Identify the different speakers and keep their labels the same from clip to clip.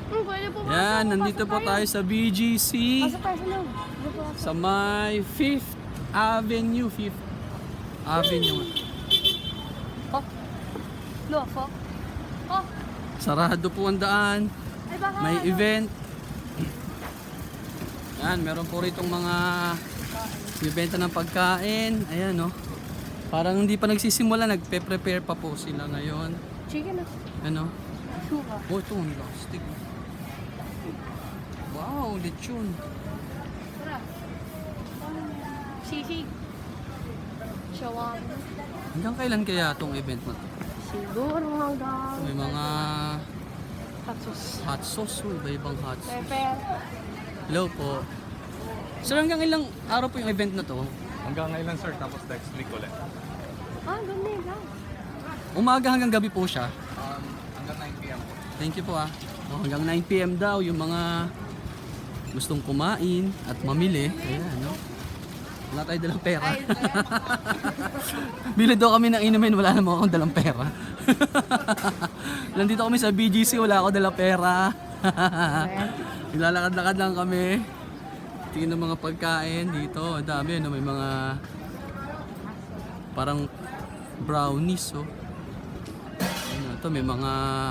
Speaker 1: Pwede po.
Speaker 2: Yan, nandito po tayo sa BGC.
Speaker 1: Pasok tayo sa loob.
Speaker 2: Sa may 5th Avenue. 5th Avenue.
Speaker 1: Oh. Lofo. Oh.
Speaker 2: Sarado po ang daan.
Speaker 1: Ay baka
Speaker 2: May
Speaker 1: ano?
Speaker 2: event. Yan, meron po rito mga bibenta ng pagkain. Ayan, no. Parang hindi pa nagsisimula, nagpe-prepare pa po sila ngayon.
Speaker 1: Chicken na.
Speaker 2: Ano?
Speaker 1: Suka.
Speaker 2: Oh, ito, ang plastic. Wow, lechon.
Speaker 1: Tara. Sisig. Shawarma.
Speaker 2: Hanggang kailan kaya itong event na to?
Speaker 1: Siguro hanggang
Speaker 2: May mga
Speaker 1: tatsos.
Speaker 2: hot sauce, iba-ibang hot sauce.
Speaker 1: Pepper.
Speaker 2: Hello po. Sir, hanggang ilang araw po yung event na to?
Speaker 3: Hanggang ngayon sir, tapos next week ulit.
Speaker 1: Ah, ganun lang.
Speaker 2: Umaga hanggang gabi po siya.
Speaker 3: Hanggang 9 p.m. po.
Speaker 2: Thank you po ah. Oh, hanggang 9 PM daw yung mga gustong kumain at mamili. Ayan, no? Wala tayo dalang pera.
Speaker 1: Ay,
Speaker 2: Bili daw kami ng inumin, wala naman akong dalang pera. Nandito kami sa BGC, wala ako dalang pera. Naglalakad-lakad lang kami. Tingin ng mga pagkain dito. Ang dami, no? May mga parang brownies, oh. Ano, ito, may mga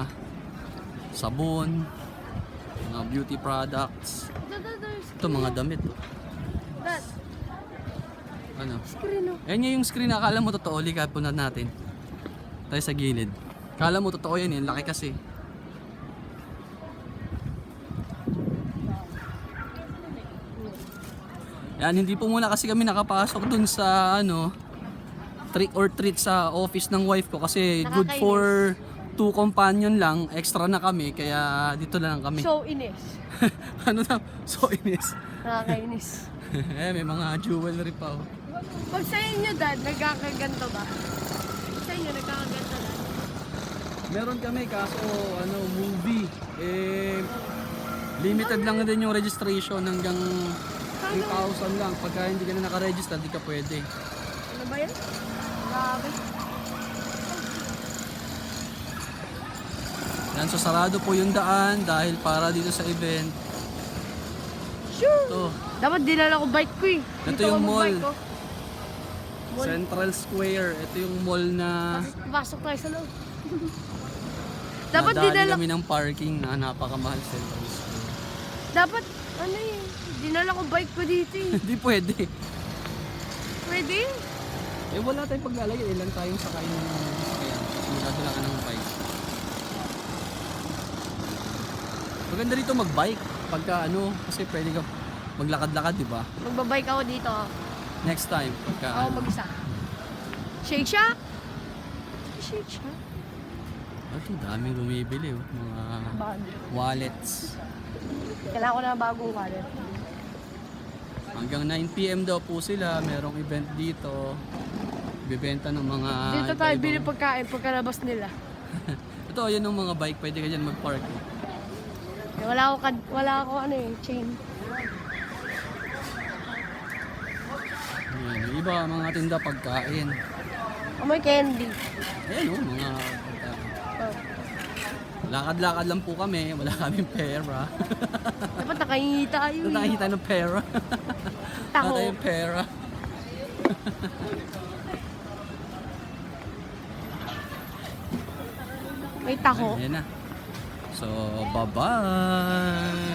Speaker 2: sabon, mga beauty products. Ito, mga damit, oh.
Speaker 1: Dad,
Speaker 2: Ano?
Speaker 1: screen oh.
Speaker 2: Ayan yung screen na akala mo totoo, likad po na natin. Tayo sa gilid. Akala mo totoo yan, yung laki kasi. Yan, hindi po muna kasi kami nakapasok dun sa ano, trick or treat sa office ng wife ko kasi good for 2 companion lang, extra na kami kaya dito na lang kami.
Speaker 1: So inis.
Speaker 2: Ano na? So inis.
Speaker 1: Nakakainis.
Speaker 2: May mga jewelry pa, oh.
Speaker 1: Pag sa inyo, Dad, nagkakaganto ba? Sa inyo, nagkakaganto na?
Speaker 2: Meron kami kaso ano movie limited lang din yung registration hanggang 3,000 lang. Pagka hindi ka na naka-register, di ka pwede.
Speaker 1: Ano ba yan? Grabe.
Speaker 2: Yan, so sarado po yung daan dahil para dito sa event.
Speaker 1: Sure.
Speaker 2: Ito,
Speaker 1: Dapat dinala ko bike ko eh.
Speaker 2: Ito
Speaker 1: Dito
Speaker 2: yung
Speaker 1: ako
Speaker 2: mall.
Speaker 1: magbike, oh. Mall.
Speaker 2: Central Square. Ito yung mall na
Speaker 1: Pasok tayo sa loob. Dapat
Speaker 2: nadali
Speaker 1: dinala
Speaker 2: kami ng parking na napakamahal Central Square.
Speaker 1: Dapat, ano eh, dinala ko bike ko dito eh.
Speaker 2: Hindi pwede.
Speaker 1: Pwede?
Speaker 2: Eh wala tayong paglalagay. Ilan tayong sakay ng sasakyan. Sinadala ka ng bike. Maganda rito mag-bike. Pagka ano, kasi pwede ka maglakad-lakad, di ba?
Speaker 1: Magbabike ako dito.
Speaker 2: Next time, pagka
Speaker 1: Ako
Speaker 2: ano.
Speaker 1: mag-isa. Shake Shack? Shake Shack?
Speaker 2: Ito, daming bumibili, oh. Mga
Speaker 1: Bag.
Speaker 2: wallets.
Speaker 1: Kailangan ko na bagong wallet.
Speaker 2: Hanggang 9 PM daw po sila. Merong event dito. Bibenta ng mga
Speaker 1: Dito tayo
Speaker 2: iba-ibang-
Speaker 1: bili pagkain pagkalabas nila.
Speaker 2: Ito, yan yung mga bike. Pwede ka dyan mag-park.
Speaker 1: Eh, wala ako ano eh, chain.
Speaker 2: Ayan, yung iba, mga tinda pagkain.
Speaker 1: Amoy candy.
Speaker 2: Ayan, oh, mga pagkain.
Speaker 1: Oh.
Speaker 2: Lakad-lakad lang po kami. Wala kaming pera.
Speaker 1: Dapat nakahingi tayo
Speaker 2: Ito
Speaker 1: eh.
Speaker 2: nakikita ng pera.
Speaker 1: Taho.
Speaker 2: Wala tayong pera.
Speaker 1: May taho.
Speaker 2: Ayan na. So, bye-bye!